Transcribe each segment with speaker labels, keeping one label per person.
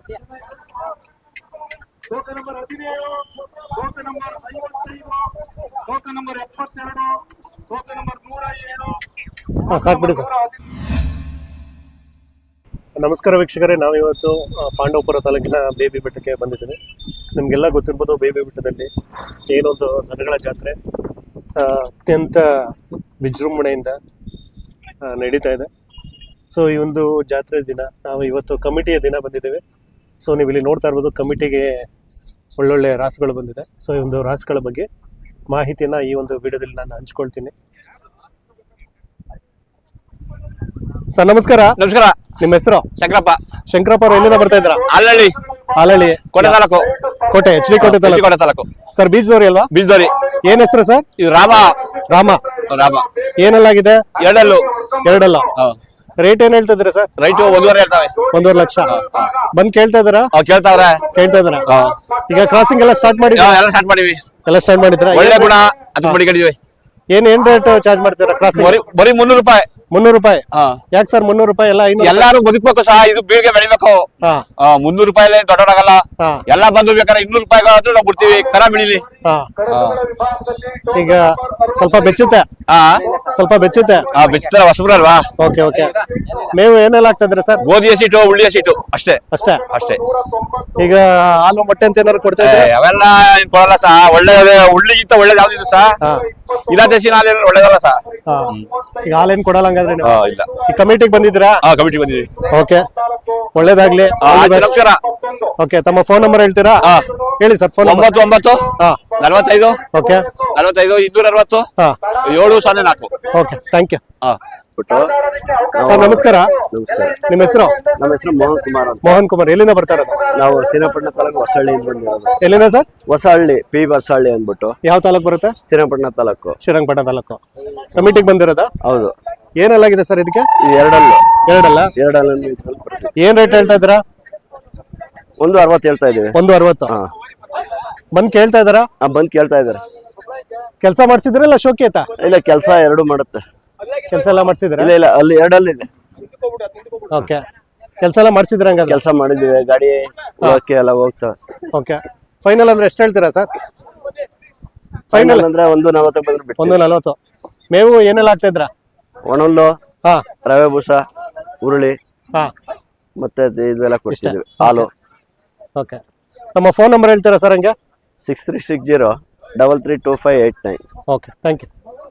Speaker 1: ತೂಕ ನಂಬರ್ 17, ತೂಕ ನಂಬರ್ 55, ತೂಕ ನಂಬರ್ 72, ತೂಕ ನಂಬರ್ 107.
Speaker 2: ಸಾಕು ಬಿಡಿ ಸರ್. ನಮಸ್ಕಾರ ವೀಕ್ಷಕರೇ, ನಾವಿವತ್ತು ಪಾಂಡವಪುರ ತಾಲೂಕಿನ ಬೇಬಿ ಬೆಟ್ಟಕ್ಕೆ ಬಂದಿದ್ದೀವಿ. ನಿಮಗೆಲ್ಲ ಗೊತ್ತಿರ್ಬೋದು, ಬೇಬಿ ಬೆಟ್ಟದಲ್ಲಿ ಏನೊಂದು ದನಗಳ ಜಾತ್ರೆ ಅತ್ಯಂತ ವಿಜೃಂಭಣೆಯಿಂದ ನಡೀತಾ ಇದೆ. ಸೊ ಈ ಒಂದು ಜಾತ್ರೆ ದಿನ ನಾವು ಇವತ್ತು ಕಮಿಟಿಯ ದಿನ ಬಂದಿದ್ದೇವೆ. ಸೊ ನೀವು ಇಲ್ಲಿ ನೋಡ್ತಾ ಇರ್ಬೋದು, ಕಮಿಟಿಗೆ ಒಳ್ಳೊಳ್ಳೆ ರಾಸುಗಳು ಬಂದಿದೆ. ಸೊ ಈ ಒಂದು ರಾಸುಗಳ ಬಗ್ಗೆ ಮಾಹಿತಿಯನ್ನು ಈ ಒಂದು ವಿಡಿಯೋದಲ್ಲಿ ನಾನು ಹಂಚ್ಕೊಳ್ತೀನಿ. ಸರ್ ನಮಸ್ಕಾರ.
Speaker 3: ನಮಸ್ಕಾರ.
Speaker 2: ನಿಮ್ಮ ಹೆಸರು?
Speaker 3: ಶಂಕರಪ್ಪ.
Speaker 2: ಶಂಕರಪ್ಪ ಅವರು ಎಲ್ಲಿಂದ ಬರ್ತಾ ಇದ್ರ?
Speaker 3: ಹಾಲಹಳ್ಳಿ.
Speaker 2: ಹಾಲಹಳ್ಳಿ
Speaker 3: ಕೋಟೆ ತಾಲೂಕು.
Speaker 2: ಕೋಟೆ HD ಕೋಟೆ ತಾಲೂಕು. ಸರ್ ಬೀಜದವ್ರಿ ಅಲ್ವಾ?
Speaker 3: ಬೀಜದವ್ರಿ.
Speaker 2: ಏನ್ ಹೆಸರು ಸರ್?
Speaker 3: ಇದು ರಾಮ.
Speaker 2: ಏನೆಲ್ಲಾಗಿದೆ? ಎರಡಲ್ಲ. ರೇಟ್ ಏನ್ ಹೇಳ್ತಾ ಇದ್ದೀರಾ ಸರ್?
Speaker 3: ರೈಟ್ 1.5 ಹೇಳ್ತಾವೆ.
Speaker 2: 1.5 ಲಕ್ಷ. ಬಂದ್ ಕೇಳ್ತಾ ಇದ್ದೀರಾ?
Speaker 3: ಕೇಳ್ತಾ
Speaker 2: ಇದ್ದೀರಾ? ಈಗ ಕ್ರಾಸಿಂಗ್ ಎಲ್ಲ ಸ್ಟಾರ್ಟ್ ಮಾಡಿದ್ರಾ?
Speaker 3: ಎಲ್ಲ ಸ್ಟಾರ್ಟ್ ಮಾಡಿವಿ.
Speaker 2: ಒಳ್ಳೆ
Speaker 3: ಗುಣ ಅದು ಮಡಿಕೊಂಡಿವಿ.
Speaker 2: ಏನ್ ರೇಟ್ ಚಾರ್ಜ್ ಮಾಡ್ತೀರಾ ಕ್ರಾಸಿಂಗ್?
Speaker 3: ಬರೀ 300 ರೂಪಾಯಿ.
Speaker 2: 300 ರೂಪಾಯಿ. ಯಾಕೆ ಸರ್ 300 ರೂಪಾಯಿ? ಎಲ್ಲ
Speaker 3: ಎಲ್ಲಾರು ಬದುಕ್ಬೇಕು ಸಹ, ಇದು ಬೀಳ್ಗೆ ಬೆಳಿಬೇಕು. 300 ರೂಪಾಯಿ ದೊಡ್ಡವರಾಗಲ್ಲ. ಎಲ್ಲ ಬಂದು ಬೇಕಾದ್ರೆ 200 ರೂಪಾಯಿ ಆದ್ರೂ ನಾವು ಬಿಡ್ತೀವಿ, ಕರ ಬೆಳಿಲಿ.
Speaker 2: ಈಗ ಸ್ವಲ್ಪ ಬೆಚ್ಚುತ್ತೆ.
Speaker 3: ಬೆಚ್ಚುತ್ತೆ, ಹೊಸಬ್ರು ಅಲ್ವಾ?
Speaker 2: ಓಕೆ. ಮೇವು ಏನೆಲ್ಲ ಆಗ್ತದ್ರೆ ಸರ್?
Speaker 3: ಗೋಧಿ ಹಸಿಟ್ಟು, ಉಳ್ಳಿ ಹಸಿಟ್ಟು ಅಷ್ಟೇ.
Speaker 2: ಈಗ ಹಾಲು ಮೊಟ್ಟೆ ಅಂತ ಏನಾದ್ರು ಕೊಡ್ತಾ ಇದ್ರೆ?
Speaker 3: ಅವೆಲ್ಲ ಕೊಡಲ್ಲ ಸಹ. ಒಳ್ಳೆ ಉಳ್ಳಿಗಿಂತ ಒಳ್ಳೇದು ಯಾವ್ದಿದೆ ಸಹ? ಇಲ್ಲ ದೇಶಿನ ಹಾಲು ಒಳ್ಳೇದಲ್ಲ ಸಹ.
Speaker 2: ಈಗ ಹಾಲೇನ್ ಕೊಡಲ್ಲ ಹಂಗಾದ್ರೆ ನೀವು?
Speaker 3: ಇಲ್ಲ.
Speaker 2: ಈ ಕಮಿಟಿಗೆ ಬಂದಿದ್ದೀರಾ?
Speaker 3: ಕಮಿಟಿ ಬಂದಿದ್ದೀವಿ.
Speaker 2: ಓಕೆ, ಒಳ್ಳೇದಾಗ್ಲಿ.
Speaker 3: ನಮಸ್ಕಾರ.
Speaker 2: ಓಕೆ, ತಮ್ಮ ಫೋನ್ ನಂಬರ್ ಹೇಳ್ತೀರಾ? ಹೇಳಿ sir. Phone
Speaker 3: 99 45
Speaker 2: okay
Speaker 3: 45 260 704.
Speaker 2: Okay, thank you. Sir ನಮಸ್ಕಾರ. ನಿಮ್ಮ ಹೆಸರು?
Speaker 4: ನಮ್ಮ ಹೆಸರು ಮೋಹನ್ ಕುಮಾರ್ ಅಂತ.
Speaker 2: ಮೋಹನ್ ಕುಮಾರ್. ಎಲ್ಲಿಂದ ಬರ್ತಾ ಇರೋದು?
Speaker 4: ನಾವು ಶ್ರೀರಂಗಪಟ್ಟಣ ತಾಲೂಕು ಹೊಸಹಳ್ಳಿಯಿಂದ ಬಂದಿರೋದು.
Speaker 2: ಎಲ್ಲಿಂದ ಸರ್?
Speaker 4: ಹೊಸಹಳ್ಳಿ, ಪಿ ಹೊಸಹಳ್ಳಿ ಅಂದ್ಬಿಟ್ಟು.
Speaker 2: ಯಾವ ತಾಲೂಕು ಬರುತ್ತೆ?
Speaker 4: ಶ್ರೀರಂಗಪಟ್ಟಣ ತಾಲೂಕು.
Speaker 2: ಶ್ರೀರಂಗಪಟ್ಟಣ ತಾಲೂಕು. ಕಮಿಟಿಗೆ ಬಂದಿರೋದಾ?
Speaker 4: ಹೌದು.
Speaker 2: ಏನೆಲ್ಲಾಗಿದೆ ಸರ್ ಇದಕ್ಕೆ?
Speaker 4: ಎರಡಲ್ಲ.
Speaker 2: ಏನ್ ರೇಟ್ ಹೇಳ್ತಾ ಇದ್ದೀರಾ?
Speaker 4: 160 ಹೇಳ್ತಾ ಇದೀವಿ.
Speaker 2: 160. ಬಂದ್ ಕೇಳ್ತಾ ಇದಾರಾ?
Speaker 4: ಬಂದ್ ಕೇಳ್ತಾ ಇದಾರೆ.
Speaker 2: ಕೆಲಸ ಮಾಡ್ಸಿದ್ರಲ್ಲ ಶೋಕಿ ಆಯ್ತಾ?
Speaker 4: ಇಲ್ಲ, ಕೆಲಸ ಎರಡು ಮಾಡುತ್ತೆ.
Speaker 2: ಕೆಲಸ ಎಲ್ಲ ಮಾಡ್ಸಿದ್ರ?
Speaker 4: ಇಲ್ಲ, ಅಲ್ಲಿ ಎರಡಲ್ಲಿದೆ.
Speaker 2: ಓಕೆ, ಕೆಲಸ ಎಲ್ಲ ಮಾಡ್ಸಿದ್ರ? ಹಂಗಾದ್ರೆ
Speaker 4: ಕೆಲಸ ಮಾಡಿದೀವಿ, ಗಾಡಿ ಹೋಗಕ್ಕೆ ಎಲ್ಲ ಹೋಗ್ತವೆ.
Speaker 2: ಓಕೆ, ಫೈನಲ್ ಅಂದ್ರೆ ಎಷ್ಟು ಹೇಳ್ತೀರಾ ಸರ್?
Speaker 4: ಫೈನಲ್ ಅಂದ್ರೆ 140 ಬಂದ್ರೆ ಬಿಟ್ಟು.
Speaker 2: 140. ಮೇವು ಏನೆಲ್ಲ ಆಗ್ತಾ ಇದ್ರ?
Speaker 4: ಒಣಹುಲ್ಲು, ರವೆ ಬೂಸ, ಉರುಳಿ ಮತ್ತೆ ಇದೆಲ್ಲ ಕೊಡ್ತಿದ್ವಿ, ಹಾಲು.
Speaker 2: ಓಕೆ, ನಮ್ಮ ಫೋನ್ ನಂಬರ್ ಹೇಳ್ತೀರಾ ಸರ್? ಹಂಗೆ
Speaker 4: 6360 332589.
Speaker 2: Okay, thank you.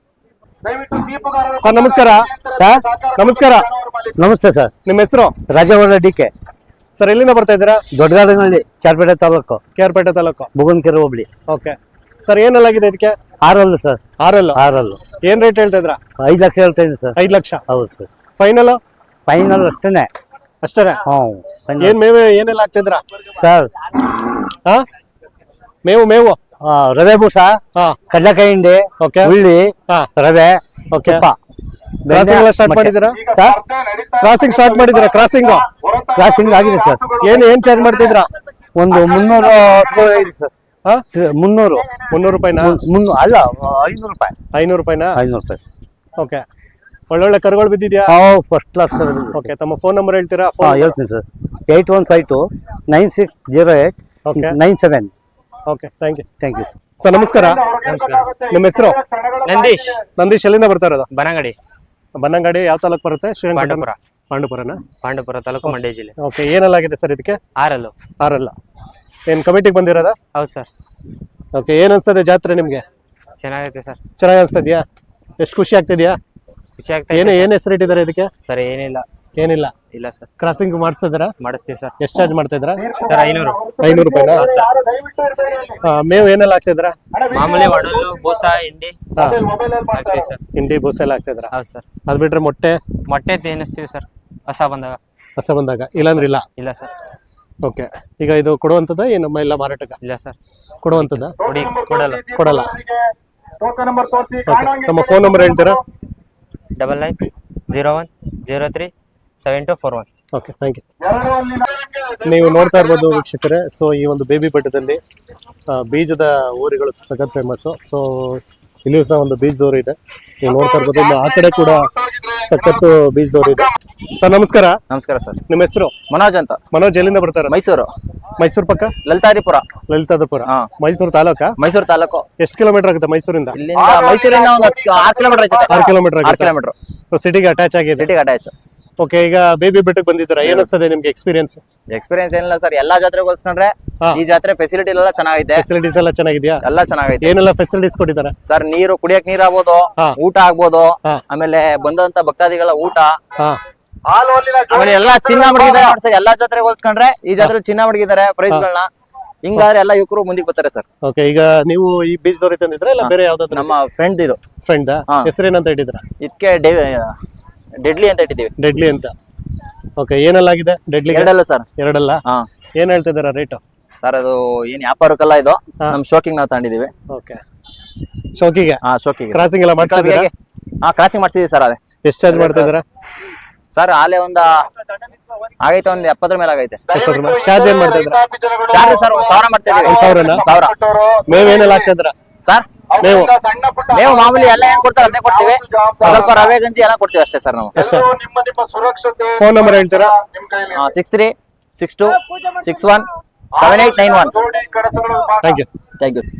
Speaker 2: ಸರ್ ನಮಸ್ಕಾರ.
Speaker 5: ಸರ್
Speaker 2: ನಮಸ್ಕಾರ.
Speaker 5: ನಮಸ್ತೆ ಸರ್.
Speaker 2: ನಿಮ್ಮ ಹೆಸರು?
Speaker 5: ರಾಜಗೌಡ DK.
Speaker 2: ಸರ್ ಎಲ್ಲಿಂದ ಬರ್ತಾ ಇದ್ದೀರಾ?
Speaker 5: Doddagadanahalli, KR
Speaker 2: Pete taluk,
Speaker 5: Bugankere hobli.
Speaker 2: Okay sir, ಏನೆಲ್ಲಾಗಿದೆ ಇದಕ್ಕೆ?
Speaker 5: 6 ಸರ್.
Speaker 2: 6. ಏನ್ ರೇಟ್ ಹೇಳ್ತಾ ಇದ್ರಾ?
Speaker 5: 5 ಲಕ್ಷ ಹೇಳ್ತಾ ಇದ್ದೀನಿ ಸರ್.
Speaker 2: 5 ಲಕ್ಷ.
Speaker 5: ಹೌದು ಸರ್.
Speaker 2: ಫೈನಲ್
Speaker 5: ಅಷ್ಟೇನೆ.
Speaker 2: ಏನ್ ಮೇವು ಏನೆಲ್ಲ ಆಗ್ತಿದ್ರ
Speaker 5: ಸರ್?
Speaker 2: ಮೇವು
Speaker 5: ರವೆ ಬೂಸ, ಕಡ್ಲೆಕಾಯಿ ಹಿಂಡಿ, ಉಳ್ಳಿ, ರವೆ,
Speaker 2: ಸ್ಟಾರ್ಟ್ ಮಾಡಿದ್ದೀರಾ? ಕ್ರಾಸಿಂಗ್
Speaker 5: ಆಗಿದೆ ಸರ್.
Speaker 2: ಏನ್ ಚಾರ್ಜ್ ಮಾಡ್ತಿದ್ರ?
Speaker 5: ಒಂದು 300 ಇದೆ ಸರ್. 300
Speaker 2: ರೂಪಾಯಿನಾ?
Speaker 5: ಅಲ್ಲ, 500 ರೂಪಾಯಿ.
Speaker 2: 500 ರೂಪಾಯಿನಾ?
Speaker 5: 500 ರೂಪಾಯಿ.
Speaker 2: ಓಕೆ, ಒಳ್ಳೊಳ್ಳೆ ಕರುಗಳು ಬಿದ್ದಿದ್ಯಾ?
Speaker 5: First class.
Speaker 2: ಓಕೆ, ತಮ್ಮ ಫೋನ್ ನಂಬರ್ ಹೇಳ್ತೀರಾ?
Speaker 5: ಹೇಳ್ತೀನಿ sir. 8152 9608 97.
Speaker 2: Okay, thank you.
Speaker 5: Sir
Speaker 2: ನಮಸ್ಕಾರ. ನಿಮ್ಮ ಹೆಸರು? ನಂದೀಶ್. ಎಲ್ಲಿಂದ ಬರ್ತಾ ಇರೋದು? ಬನ್ನಂಗಾಡಿ. ಯಾವ ತಾಲೂಕು ಬರುತ್ತೆ? ಪಾಂಡವಪುರ ತಾಲೂಕು, ಮಂಡ್ಯ ಜಿಲ್ಲೆ. ಓಕೆ, ಏನೆಲ್ಲಾಗಿದೆ ಸರ್ ಇದಕ್ಕೆ? 6. ಏನ್ ಕಮಿಟಿಗೆ ಬಂದಿರೋದಾ?
Speaker 6: ಹೌದು ಸರ್.
Speaker 2: ಓಕೆ, ಏನ್ ಅನ್ಸ್ತದೆ ಜಾತ್ರೆ ನಿಮ್ಗೆ?
Speaker 6: ಚೆನ್ನಾಗೈತೆ ಸರ್.
Speaker 2: ಚೆನ್ನಾಗಿ ಅನ್ಸ್ತದ್ಯಾ? ಎಷ್ಟು ಖುಷಿ ಆಗ್ತಿದ್ಯಾ? ಏನ್ ಹೆಸರು ಇಟ್ಟಿದ್ದಾರೆ ಇದಕ್ಕೆ?
Speaker 6: ಸರ್ ಏನಿಲ್ಲ ಇಲ್ಲ ಸರ್.
Speaker 2: ಕ್ರಾಸಿಂಗ್ ಮಾಡಿಸ್ತಿದ್ದೀರಾ?
Speaker 6: ಮಾಡಿಸ್ತೀವಿ ಸರ್.
Speaker 2: ಎಷ್ಟು ಚಾರ್ಜ್ ಮಾಡ್ತಾ ಇದ್ದೀರಾ
Speaker 6: ಸರ್? 500
Speaker 2: ರೂಪಾಯಿನಾ? ಮೇವು ಏನೆಲ್ಲ ಹಾಕ್ತಿದ್ದೀರಾ?
Speaker 6: ಮಾಮೂಲಿ ಒಣಲು, ಬೂಸ, ಹಿಂಡಿ ಹಾಕ್ತೀವಿ ಸರ್.
Speaker 2: ಹಿಂಡಿ, ಬೂಸ ಎಲ್ಲ ಹಾಕ್ತಿದ್ದೀರಾ?
Speaker 6: ಹೌದು ಸರ್.
Speaker 2: ಅದ್ ಬಿಟ್ರೆ ಮೊಟ್ಟೆ
Speaker 6: ತೇನಿಸ್ತೀವಿ ಸರ್, ಹೊಸ ಬಂದಾಗ.
Speaker 2: ಇಲ್ಲಾಂದ್ರೆ
Speaker 6: ಇಲ್ಲ ಸರ್.
Speaker 2: ಓಕೆ, ಈಗ ಇದು ಕೊಡುವಂತದ ಏನು ಎಲ್ಲ ಮಾರಾಟಕ್ಕೆ?
Speaker 6: ಇಲ್ಲ ಸರ್.
Speaker 2: ಕೊಡುವಂತದ? ಕೊಡಲ್ಲ. ತಮ್ಮ ಫೋನ್ ನಂಬರ್ ಹೇಳ್ತೀರಾ?
Speaker 6: 9901037241.
Speaker 2: Okay, thank you. ನೀವು ನೋಡ್ತಾ ಇರ್ಬೋದು ವೀಕ್ಷಕರೇ. ಸೊ ಈ ಒಂದು ಬೇಬಿ ಬೆಟ್ಟದಲ್ಲಿ ಬೀಜದ ಊರುಗಳು ಸಖತ್ ಫೇಮಸ್ಸು. ಸೊ ಇಲ್ಲಿಯೂ ಸಹ ಒಂದು ಬೀಜದವ್ರು ಇದೆ, ನೀವು ನೋಡ್ತಾ ಇರ್ಬೋದು. ಇನ್ನು ಆ ಕಡೆ ಕೂಡ ಸಖತ್ತು ಬೀಜದವ್ರು ಇದೆ. ಸರ್ ನಮಸ್ಕಾರ.
Speaker 7: ನಮಸ್ಕಾರ ಸರ್.
Speaker 2: ನಿಮ್ಮ ಹೆಸರು?
Speaker 7: ಮನೋಜ್ ಅಂತ.
Speaker 2: ಮನೋಜ್, ಎಲ್ಲಿಂದ ಬರ್ತಾರೆ?
Speaker 7: ಮೈಸೂರು.
Speaker 2: ಮೈಸೂರು ಪಕ್ಕ
Speaker 7: ಲಲಿತಾದಿಪುರ.
Speaker 2: ಲಲಿತಾದಿಪುರ.
Speaker 7: ಹಾ.
Speaker 2: ಮೈಸೂರು ತಾಲೂಕಾ?
Speaker 7: ಮೈಸೂರು ತಾಲೂಕು.
Speaker 2: ಎಷ್ಟು ಕಿಲೋಮೀಟರ್ ಆಗುತ್ತೆ ಮೈಸೂರಿಂದ?
Speaker 7: ಇಲ್ಲಿಂದ ಮೈಸೂರಿಂದ ಒಂದು 6 ಕಿಲೋಮೀಟರ್ ಐತೆ.
Speaker 2: 6 ಕಿಲೋಮೀಟರ್
Speaker 7: 6 ಕಿಲೋಮೀಟರ್.
Speaker 2: ಸಿಟಿಗೆ ಅಟ್ಯಾಚ್ ಆಗಿದೆ.
Speaker 7: ಸಿಟಿಗೆ ಅಟ್ಯಾಚ್.
Speaker 2: ಓಕೆ, ಈಗ ಬೇಬಿ ಬೆಟ್ಟಕ್ಕೆ ಬಂದಿದ್ದೀರಾ, ಏನಿಸ್ತದೆ ನಿಮ್ಗೆ ಎಕ್ಸ್ಪೀರಿಯನ್ಸ್?
Speaker 7: ಎಕ್ಸ್ಪೀರಿಯನ್ಸ್ ಏನಿಲ್ಲ ಸರ್, ಎಲ್ಲಾ ಜಾತ್ರೆಗೆ ಹೋಲಿಸ್ಕೊಂಡ್ರೆ ಈ ಜಾತ್ರೆ ಫೆಸಿಲಿಟಿ ಎಲ್ಲ ಚೆನ್ನಾಗೈತೆ.
Speaker 2: ಫೆಸಿಲಿಟೀಸ್ ಎಲ್ಲ ಚೆನ್ನಾಗಿದ್ಯಾ?
Speaker 7: ಎಲ್ಲ ಚೆನ್ನಾಗೈತೆ.
Speaker 2: ಏನೆಲ್ಲ ಫೆಸಿಲಿಟೀಸ್ ಕೊಟ್ಟಿದ್ದಾರೆ?
Speaker 7: ಸರ್ ನೀರು, ಕುಡಿಯಕ್ ನೀರ್ ಆಗ್ಬೋದು, ಊಟ ಆಗ್ಬೋದು, ಆಮೇಲೆ ಬಂದಂತ ಭಕ್ತಾದಿಗಳ ಊಟ, ಆಮೇಲೆ ಎಲ್ಲಾ ಚಿನ್ನ ಮಡಗಿದ್ದಾರೆ ನೋಡಿ ಸರ್. ಎಲ್ಲಾ ಜಾತ್ರೆಗೆ ಹೋಲಿಸ್ಕೊಂಡ್ರೆ ಈ ಜಾತ್ರೆ ಚಿನ್ನ ಮಡಗಿದ್ದಾರೆ ಪ್ರೈಸ್ ಗಳನ್ನ. ಹಿಂಗಾದ್ರೆ ಎಲ್ಲ ಯುವಕರು ಮುಂದಕ್ಕೆ ಬರ್ತಾರೆ ಸರ್.
Speaker 2: ಓಕೆ, ಈಗ ನೀವು ಈ ಬೀಜದವ್ರಿ ತಂದಿದ್ರ ಇಲ್ಲ ಬೇರೆ ಯಾವ್ದಾದ್ರು?
Speaker 7: ನಮ್ಮ ಫ್ರೆಂಡ್ ಇದು.
Speaker 2: ಫ್ರೆಂಡ್ ಹೆಸರೇನಂತ ಇಟ್ಟಿದ್ರ?
Speaker 7: ಇದಕ್ಕೆ ಡೆಡ್ಲಿ ಅಂತ ಇಟ್ಟಿದೀವಿ.
Speaker 2: ಡೆಡ್ಲಿ ಅಂತ. ಓಕೆ, ಏನೆಲ್ಲಾಗಿದೆ ಡೆಡ್ಲಿ?
Speaker 7: ಎರಡಲ್ಲ ಸರ್.
Speaker 2: ಎರಡಲ್ಲ. ಏನ್ ಹೇಳ್ತಿದಾರ ರೇಟ್?
Speaker 7: ಸರ್ ಅದು ಏನ್ ವ್ಯಾಪಾರಕ್ಕಲ್ಲ, ಇದು ನಮ್ ಶೋಕಿಂಗ್ ನಾವು ತಗೊಂಡಿದೀವಿ.
Speaker 2: ಓಕೆ, ಶೋಕಿಗೆ?
Speaker 7: ಶೋಕಿಗೆ
Speaker 2: ಕ್ರಾಸಿಂಗ್ ಎಲ್ಲ ಮಾಡ್ತಿದ್ದೀರಾ?
Speaker 7: ಕ್ರಾಸಿಂಗ್ ಮಾಡ್ತಿದೀವಿ ಸರ್. ಅದೇ
Speaker 2: ಎಷ್ಟು ಚಾರ್ಜ್ ಮಾಡ್ತಾ ಇದ್ದೀರಾ
Speaker 7: ಸರ್? ಆಲೆ ಆಗೈತೆ, ಒಂದ್ 70 ಮೇಲೆ ಆಗೈತೆ.
Speaker 2: ಚಾರ್ಜ್ ಏನ್ ಮಾಡ್ತಾ ಇದ್ದೀರಾ?
Speaker 7: ಚಾರ್ಜ್ ಸರ್ 1000 ಮಾಡ್ತಾ ಇದೀವಿ.
Speaker 2: 1000 ಮೇವ್ ಏನೆಲ್ಲ ಹಾಕ್ತಾ ಇದ್ದೀರಾ
Speaker 7: ಸರ್? ನೀವು ಮಾಮೂಲಿ ಎಲ್ಲ ಏನ್ ಕೊಡ್ತಾರೆ ಅದೇ ಕೊಡ್ತೀವಿ, ಸ್ವಲ್ಪ ರವೆ ಗಂಜಿ ಎಲ್ಲ ಕೊಡ್ತೀವಿ ಅಷ್ಟೇ ಸರ್ ನಾವು.
Speaker 2: ಅಷ್ಟೇ. ಫೋನ್ ನಂಬರ್ ಹೇಳ್ತೀರಾ?
Speaker 7: 6362617891.
Speaker 2: Thank you.
Speaker 7: Thank you.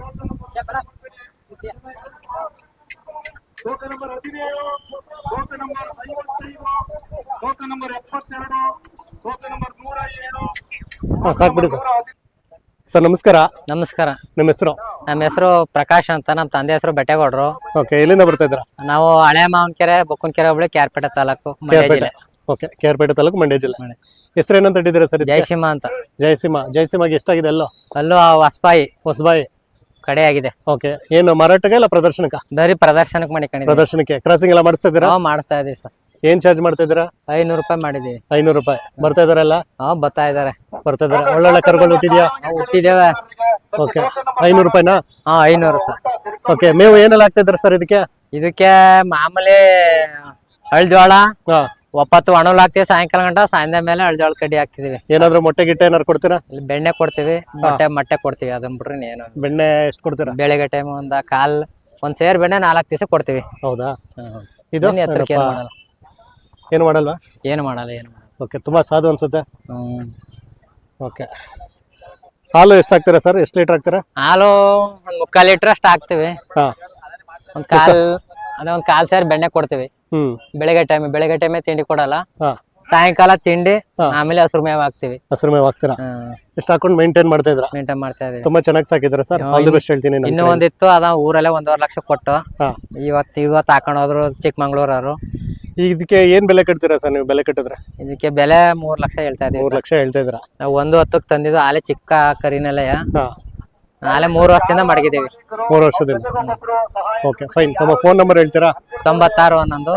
Speaker 1: ಟೋಕ ನಂಬರ್ 17, ಟೋಕ ನಂಬರ್ 55, ಟೋಕ ನಂಬರ್ 72, ಟೋಕ ನಂಬರ್ 107.
Speaker 2: ಸಾಕ್ಬಿಡಿ ಸರ್. ಸರ್ ನಮಸ್ಕಾರ.
Speaker 8: ನಮಸ್ಕಾರ.
Speaker 2: ನಿಮ್ಮ ಹೆಸರು?
Speaker 8: ನಮ್ಮ ಹೆಸರು ಪ್ರಕಾಶ್ ಅಂತ, ನಮ್ಮ ತಂದೆ ಹೆಸರು ಬೆಟ್ಟೆಗೌಡರು.
Speaker 2: ಓಕೆ, ಎಲ್ಲಿಂದ ಬರ್ತಾ ಇದ್ದೀರಾ?
Speaker 8: ನಾವು ಹಳೆ ಮಾವನಕೆರೆ, ಬೊಕ್ಕನಕೆರೆ ಹೋಬಳಿ, ಕ್ಯಾರ್ಪೇಟೆ ತಾಲೂಕು, ಮಂಡ್ಯ ಜಿಲ್ಲೆ.
Speaker 2: ಓಕೆ, ಕೇರ್ಪೇಟೆ ತಾಲೂಕು, ಮಂಡ್ಯ ಜಿಲ್ಲೆ. ಹೆಸರೇನಂತ ಇಟ್ಟಿದ್ದೀರಾ ಸರ್?
Speaker 8: ಜಯಸಿಂಹ ಅಂತ.
Speaker 2: ಜಯಸಿಂಹ. ಜಯಸಿಂಹಗೆ ಎಷ್ಟಾಗಿದೆ?
Speaker 8: ಅಲ್ಲೂ ಹೊಸಬಾಯಿ
Speaker 2: ಹೊಸಬಾಯಿ
Speaker 8: ಕಡೆ ಆಗಿದೆ.
Speaker 2: ಓಕೆ, ಏನು ಮಾರಾಟಕ್ಕೆ ಇಲ್ಲ ಪ್ರದರ್ಶನಕ್ಕ?
Speaker 8: ಬರೀ ಪ್ರದರ್ಶನಕ್ಕೆ ಮಾಡಿಕೊಂಡಿದ್ದೀವಿ.
Speaker 2: ಪ್ರದರ್ಶನಕ್ಕೆ. ಕ್ರಾಸಿಂಗ್ ಎಲ್ಲ ಮಾಡಿಸ್ತಾ ಇದ್ದೀರಾ?
Speaker 8: ಮಾಡಿಸ್ತಾ ಇದೀವಿ ಸರ್.
Speaker 2: ಏನ್ ಚಾರ್ಜ್ ಮಾಡ್ತಾ ಇದ್ದೀರಾ?
Speaker 8: 500 ರೂಪಾಯಿ ಮಾಡಿದೀವಿ.
Speaker 2: 500 ರೂಪಾಯಿ. ಬರ್ತಾ ಇದಾರಲ್ಲ?
Speaker 8: ಬರ್ತಾ ಇದಾರೆ.
Speaker 2: ಒಳ್ಳೊಳ್ಳೆ ಕರುಗಳು ಹುಟ್ಟಿದ್ಯಾ?
Speaker 8: ಹುಟ್ಟಿದ್ದೇವೆ.
Speaker 2: ಓಕೆ, 500 ರೂಪಾಯಿನಾ?
Speaker 8: 500 ಸರ್.
Speaker 2: ಓಕೆ, ಮೇವು ಏನೆಲ್ಲ ಹಾಕ್ತಾ ಇದ್ದಾರೆ ಸರ್ ಇದಕ್ಕೆ?
Speaker 8: ಇದಕ್ಕೆ ಮಾಮೂಲಿ ಹಳ್ಜೋಳ, ಒಪ್ಪತ್ತು ಒಣಲ್ ಹಾಕ್ತಿವಿ ಸಾಯಂಕಾಲ ಗಂಟ, ಸಾಯಂಕಾಲ ಮೇಲೆ ಹಳ್ಜೋಳ ಕಡ್ಡಿ ಹಾಕ್ತಿದೀವಿ.
Speaker 2: ಏನಾದ್ರು ಮೊಟ್ಟೆ ಗಿಟ್ಟೆ ಏನಾರು ಕೊಡ್ತೀರಾ?
Speaker 8: ಇಲ್ಲಿ ಬೆಣ್ಣೆ ಕೊಡ್ತೀವಿ, ಮೊಟ್ಟೆ ಕೊಡ್ತೀವಿ. ಅದನ್ನ ಬಿಟ್ರೆ ಏನು.
Speaker 2: ಬೆಣ್ಣೆ ಎಷ್ಟು ಕೊಡ್ತೀರಾ?
Speaker 8: ಬೆಳಗ್ಗೆ ಟೈಮ್ ಒಂದ್ ಸೇರ್ ಬೆಣ್ಣೆ 4 ದಿವಸ ಕೊಡ್ತೀವಿ.
Speaker 2: ಹೌದಾ? ಇದು ಏನು ಮಾಡಲ್ವಾ?
Speaker 8: ಏನು ಮಾಡಲ್ಲ.
Speaker 2: ಓಕೆ, ತುಂಬಾ ಸಾಧು ಅನ್ಸುತ್ತೆ. ಓಕೆ, ಹಾಲು ಎಷ್ಟು ಹಾಕ್ತೀರಾ ಸರ್? ಎಷ್ಟು ಲೀಟರ್ ಹಾಕ್ತೀರಾ?
Speaker 8: ಹಾಲು 1/4 ಲೀಟರ್ ಅಷ್ಟು ಹಾಕ್ತಿವಿ. ಒಂದ್ ಕಾಲ್ ಸೇರ್ ಬೆಣ್ಣೆ ಕೊಡ್ತೀವಿ. ಬೆಳಗ್ಗೆ ಟೈಮ್ ತಿಂಡಿ ಕೊಡಲ್ಲ. ಸಾಯಂಕಾಲ ತಿಂಡಿ, ಆಮೇಲೆ ಹಸಿರು ಮೇವ್ ಹಾಕ್ತಿವಿ.
Speaker 2: ಹಸಿರು ಮೇವ್ ಹಾಕ್ತೀರಾ? ಎಷ್ಟು ಹಾಕೊಂಡು ಮೇಂಟೈನ್ ಮಾಡ್ತಾ ಇದ್ದೀರಾ?
Speaker 8: ಮೇಂಟೈನ್ ಮಾಡ್ತಾ ಇದೀವಿ.
Speaker 2: ತುಂಬಾ ಚೆನ್ನಾಗಿ ಸಾಕಿದ್ದೀರಾ ಸರ್. ಆಲ್ ದಿ ಬೆಸ್ಟ್ ಹೇಳ್ತೀನಿ.
Speaker 8: ಇನ್ನೂ ಒಂದಿತ್ತು, ಅದ ಊರಲ್ಲೇ 1.5 ಲಕ್ಷ ಕೊಟ್ಟು ಇವತ್ತು ಹಾಕೊಂಡು ಹೋದ್ರು ಚಿಕ್ಕಮಂಗ್ಳೂರವರು.
Speaker 2: ಇದಕ್ಕೆ ಏನ್ ಬೆಲೆ ಕಟ್ತೀರಾ ಸರ್ ನೀವು? ಬೆಲೆ ಕಟ್ಟಿದ್ರೆ
Speaker 8: ಇದಕ್ಕೆ ಬೆಲೆ 3 ಲಕ್ಷ ಹೇಳ್ತಾ ಇದೀವಿ.
Speaker 2: 3 ಲಕ್ಷ ಹೇಳ್ತಾ ಇದ್ದೀರಾ?
Speaker 8: ನಾವು 1.10 ತಂದಿದ್ದು. ಆಲೆ ಚಿಕ್ಕ ಕರಿನೆಲೆಯ ಆಲೆ 3 ವರ್ಷದಿಂದ ಮಡಗಿದ್ದೀವಿ.
Speaker 2: 3 ವರ್ಷದಿಂದ. Okay, fine. ತಮ್ಮ ಫೋನ್ ನಂಬರ್ ಹೇಳ್ತೀರಾ?
Speaker 8: 96 11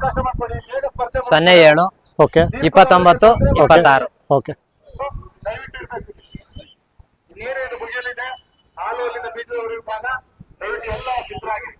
Speaker 8: 07
Speaker 2: ಓಕೆ
Speaker 8: 29 26.
Speaker 2: ಓಕೆ.
Speaker 1: ನೀರೇನು ಮುಗಿಯಲಿದೆ, ಹಾಲು ಅಲ್ಲಿಂದ ಬೀಜದವರು ವಿಭಾಗ, ದಯವಿಟ್ಟು ಎಲ್ಲ ಸಿದ್ಧರಾಗಿ.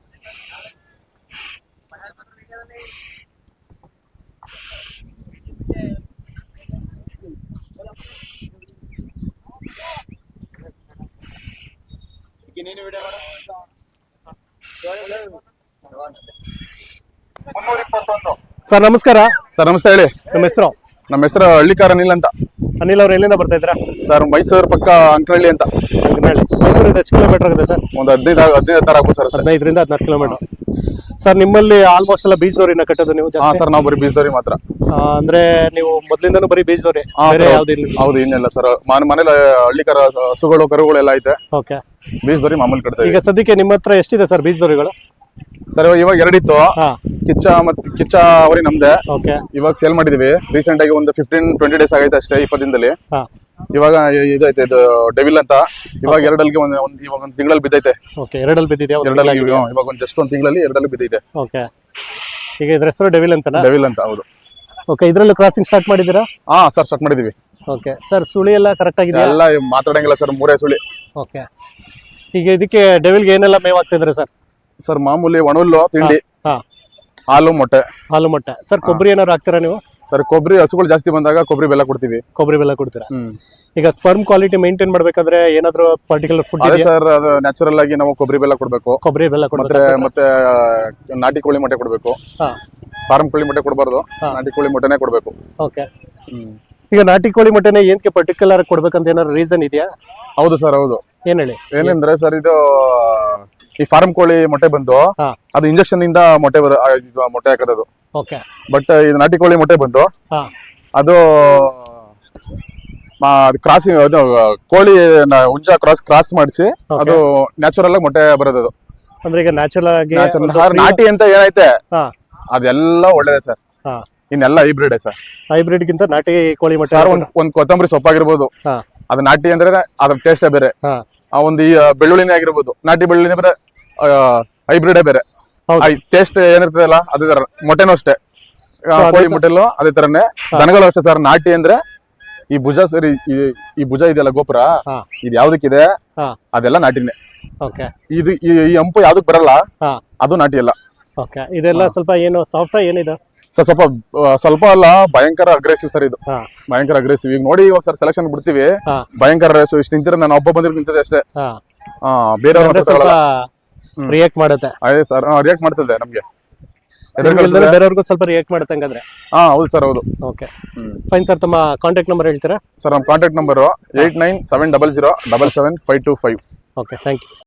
Speaker 2: ಸರ್ ನಮಸ್ಕಾರ.
Speaker 9: ಸರ್ ನಮಸ್ತೆ, ಹೇಳಿ.
Speaker 2: ನಿಮ್ಮ ಹೆಸರು?
Speaker 9: ನಮ್ಮ ಹೆಸರು ಹಳ್ಳಿಕಾರ ಅನಿಲ್ ಅಂತ.
Speaker 2: ಅನಿಲ್ ಅವ್ರು ಎಲ್ಲಿಂದ ಬರ್ತಾ ಇದ್ದೀರಾ?
Speaker 9: ಸರ್ ಮೈಸೂರು ಪಕ್ಕ ಅಂಕನಹಳ್ಳಿ ಅಂತ.
Speaker 2: ಮೈಸೂರಿಂದ ಎಷ್ಟು ಕಿಲೋಮೀಟರ್ ಆಗುತ್ತೆ ಸರ್?
Speaker 9: ಒಂದು 15 ಹತ್ತಾರು ಆಗ್ಬೋದು ಸರ್.
Speaker 2: 15ರಿಂದ 16 ಕಿಲೋಮೀಟರ್. ಸರ್ ನಿಮ್ಮಲ್ಲಿ ಆಲ್ಮೋಸ್ಟ್ ಎಲ್ಲ ಬೀಜದವ್ರಿನ ಕಟ್ಟೋದು ನೀವು?
Speaker 9: ಹಾ ಸರ್, ನಾವು ಬರೀ ಬೀಜದವ್ರಿ ಮಾತ್ರ.
Speaker 2: ಅಂದ್ರೆ ನೀವು ಮೊದ್ಲಿಂದಾನು ಬರೀ ಬೀಜದವ್ರಿ?
Speaker 9: ಹೌದು, ಇನ್ನೆಲ್ಲ ಸರ್ ಮನೇಲಿ ಹಳ್ಳಿಕಾರ ಹಸುಗಳು ಕರುಗಳೆಲ್ಲ ಐತೆ.
Speaker 2: ಓಕೆ,
Speaker 9: ಬೀಜದವ್ರಿ ಮಾಮೂಲಿ ಕಟ್ತೇವೆ.
Speaker 2: ಈಗ ಸದ್ಯಕ್ಕೆ ನಿಮ್ಮ ಹತ್ರ ಎಷ್ಟಿದೆ ಸರ್ ಬೀಜದವ್ರಿಗಳು?
Speaker 9: ಸರ್ ಇವಾಗ 2 ಇತ್ತು. ಕಿಚ್ಚ ಅವರಿ ನಮ್ದೆ.
Speaker 2: ಓಕೆ,
Speaker 9: ಇವಾಗ ಸೇಲ್ ಮಾಡಿದೀವಿ. ರೀಸೆಂಟ್ ಆಗಿ ಒಂದು 15-20 ಡೇಸ್ ಆಗೈತೆ ಅಷ್ಟೇ, 20 ದಿನದಲ್ಲಿ. ಇವಾಗ ಇದೈತೆ, ಇದು ಡೆವಿಲ್ ಅಂತ. ಇವಾಗ 2 ಇವಾಗ ಒಂದು ತಿಂಗಳಲ್ಲಿ ಬಿದ್ದೈತೆ.
Speaker 2: ಓಕೆ, 2 ಬಿದ್ದಿದೆಯಾ?
Speaker 9: ಇವಾಗ ಒಂದು ಜಸ್ಟ್ ಒಂದು ತಿಂಗಳಲ್ಲಿ 2 ಬಿದ್ದೈತೆ.
Speaker 2: ಓಕೆ, ಈಗ ಇದ್ರ ಹೆಸರು ಡೆವಿಲ್ ಅಂತನಾ?
Speaker 9: ಡೆವಿಲ್ ಅಂತ, ಹೌದು.
Speaker 2: ಓಕೆ, ಇದ್ರಲ್ಲೂ ಕ್ರಾಸಿಂಗ್ ಸ್ಟಾರ್ಟ್ ಮಾಡಿದ್ದೀರಾ?
Speaker 9: ಹಾ ಸರ್, ಸ್ಟಾರ್ಟ್ ಮಾಡಿದೀವಿ.
Speaker 2: ಓಕೆ ಸರ್, ಸುಳಿ ಎಲ್ಲ ಕರೆಕ್ಟ್ ಆಗಿದೆ?
Speaker 9: ಎಲ್ಲ ಮಾತಾಡಂಗಿಲ್ಲ ಸರ್, 3 ಸುಳಿ.
Speaker 2: ಓಕೆ, ಈಗ ಇದಕ್ಕೆ ಡೆವಿಲ್ಗೆ ಏನೆಲ್ಲ ಮೇವ್ ಆಗ್ತಿದ್ರೆ ಸರ್?
Speaker 9: ಸರ್ ಮಾಮೂಲಿ ಒಣಹುಲ್ಲು, ತಿಂಡಿ, ಹಾಲು ಮೊಟ್ಟೆ.
Speaker 2: ಸರ್ ಕೊಬ್ಬರಿ ಏನಾದ್ರು ಹಾಕ್ತೀರಾ ನೀವು?
Speaker 9: ಸರ್ ಕೊಬ್ಬರಿ ಹಸುಗಳು ಜಾಸ್ತಿ ಬಂದಾಗ ಕೊಬ್ಬರಿ ಬೆಲ್ಲ ಕೊಡ್ತೀವಿ.
Speaker 2: ಕೊಬ್ಬರಿ ಬೆಲ್ಲ ಕೊಡ್ತೀರಾ? ಈಗ ಸ್ಪರ್ಮ್ ಕ್ವಾಲಿಟಿ ಮೇಂಟೈನ್ ಮಾಡ್ಬೇಕಾದ್ರೆ ಏನಾದ್ರು ಪರ್ಟಿಕ್ಯುಲರ್ ಫುಡ್
Speaker 9: ಅದೇ ಸರ್, ಅದು ನ್ಯಾಚುರಲ್ ಆಗಿ ನಾವು ಕೊಬ್ಬರಿ ಬೆಲ್ಲ ಕೊಡ್ಬೇಕು.
Speaker 2: ಕೊಬ್ಬರಿ ಬೆಲ್ಲ
Speaker 9: ಮತ್ತೆ ಮತ್ತೆ ನಾಟಿ ಕೋಳಿ ಮೊಟ್ಟೆ ಕೊಡ್ಬೇಕು. ಫಾರ್ಮ್ ಕೋಳಿ ಮೊಟ್ಟೆ ಕೊಡಬಾರ್ದು, ನಾಟಿ ಕೋಳಿ ಮೊಟ್ಟೆನೇ ಕೊಡ್ಬೇಕು.
Speaker 2: ಓಕೆ. ಈಗ ನಾಟಿ ಕೋಳಿ ಮೊಟ್ಟೆನೇ ಏನಕ್ಕೆ ಪರ್ಟಿಕ್ಯುಲರ್ ಬೇಕಂತ ಏನಾದ್ರು ರೀಸನ್ ಇದೆಯಾ?
Speaker 9: ಹೌದು ಸರ್, ಹೌದು.
Speaker 2: ಏನ್ ಹೇಳಿ?
Speaker 9: ಏನಂದ್ರೆ ಸರ್, ಇದು ಈ ಫಾರ್ಮ್ ಕೋಳಿ ಮೊಟ್ಟೆ ಬಂದು ಅದು ಇಂಜೆಕ್ಷನ್ ಇಂದ ಮೊಟ್ಟೆ ಹಾಕೋದು.
Speaker 2: ಓಕೆ.
Speaker 9: ಬಟ್ ಇದು ನಾಟಿ ಕೋಳಿ ಮೊಟ್ಟೆ ಬಂದು ಅದು ಕ್ರಾಸಿಂಗ್, ಅದು ಕೋಳಿ ಹುಂಜ ಕ್ರಾಸ್ ಮಾಡಿಸಿ ಅದು ನ್ಯಾಚುರಲ್ ಆಗಿ ಮೊಟ್ಟೆ ಬರೋದು.
Speaker 2: ಅಂದ್ರೆ ಈಗ ನ್ಯಾಚುರಲ್ ಆಗಿ
Speaker 9: ನಾಟಿ ಅಂತ ಏನೈತೆ ಅದೆಲ್ಲ ಒಳ್ಳೇದೇ ಸರ್. ಇನ್ನೆಲ್ಲ ಹೈಬ್ರಿಡ್ ಸರ್.
Speaker 2: ಹೈಬ್ರಿಡ್ ಗಿಂತ ನಾಟಿ ಕೋಳಿ ಮೊಟ್ಟೆ
Speaker 9: ಸರ್, ಒಂದ್ ಕೊತ್ತಂಬರಿ ಸೊಪ್ಪಾಗಿರ್ಬೋದು, ಅದು ನಾಟಿ ಅಂದ್ರೆ ಅದ್ರ ಟೇಸ್ಟೇ ಬೇರೆ. ಒಂದು ಈ ಬೆಳ್ಳುಳ್ಳಿನೇ ಆಗಿರ್ಬೋದು, ನಾಟಿ ಬೆಳ್ಳುಳ್ಳಿನೇ ಬೇರೆ, ಹೈಬ್ರಿಡೇ ಬೇರೆ. ಟೇಸ್ಟ್ ಏನಿರ್ತದಲ್ಲ ಅದೇ ತರ. ಮೊಟ್ಟೆನೂ ಅಷ್ಟೇ, ಕೋಳಿ ಮೊಟ್ಟೆಲ್ಲೂ ಅದೇ ತರನೇ. ದನಗಳು ಅಷ್ಟೇ ಸರ್. ನಾಟಿ ಅಂದ್ರೆ ಈ ಭುಜ ಸರಿ, ಈ ಭುಜ ಇದೆಯಲ್ಲ ಗೋಪುರ, ಇದು ಯಾವ್ದಕ್ಕಿದೆ ಅದೆಲ್ಲ ನಾಟಿನೇ. ಇದು ಈ ಹಂಪು ಯಾವ್ದಕ್ ಬರಲ್ಲ ಅದು ನಾಟಿ ಅಲ್ಲ.
Speaker 2: ಇದೆಲ್ಲ ಸ್ವಲ್ಪ ಏನು ಸಾಫ್ಟ್ ಏನಿದೆ
Speaker 9: ಸರ್? ಸ್ವಲ್ಪ ಅಲ್ಲ, ಭಯಂಕರ ಅಗ್ರೆಸಿವ್ ಸರ್. ಇದು ಭಯಂಕರ ಅಗ್ರೆಸಿವ್. ಈಗ ನೋಡಿ, ಇವಾಗ ಸರ್ ಸೆಲೆಕ್ಷನ್ ಬಿಡ್ತೀವಿ, ಭಯಂಕರ ಇಷ್ಟು ನಿಂತಿರ, ನಾನು ಒಬ್ಬ ಬಂದಿರ್ ನಿಂತಿದೆ ಅಷ್ಟೇ. ಬೇರೆ
Speaker 2: ರಿಯಾಕ್ಟ್ ಮಾಡುತ್ತೆ.
Speaker 9: ಅದೇ ಸರ್, ರಿಯಾಕ್ಟ್ ಮಾಡ್ತದೆ ನಮ್ಗೆ.
Speaker 2: ಬೇರೆಯವ್ರಿಗೂ ಸ್ವಲ್ಪ ರಿಯಾಕ್ಟ್ ಮಾಡುತ್ತೆ ಹಂಗಂದ್ರೆ.
Speaker 9: ಹೌದು ಸರ್, ಹೌದು.
Speaker 2: Okay, fine sir. ತಮ್ಮ ಕಾಂಟ್ಯಾಕ್ಟ್ ನಂಬರ್ ಹೇಳ್ತೀರಾ?
Speaker 9: ಸರ್, ನಮ್ಮ contact number 8970077525.
Speaker 2: Okay, thank you.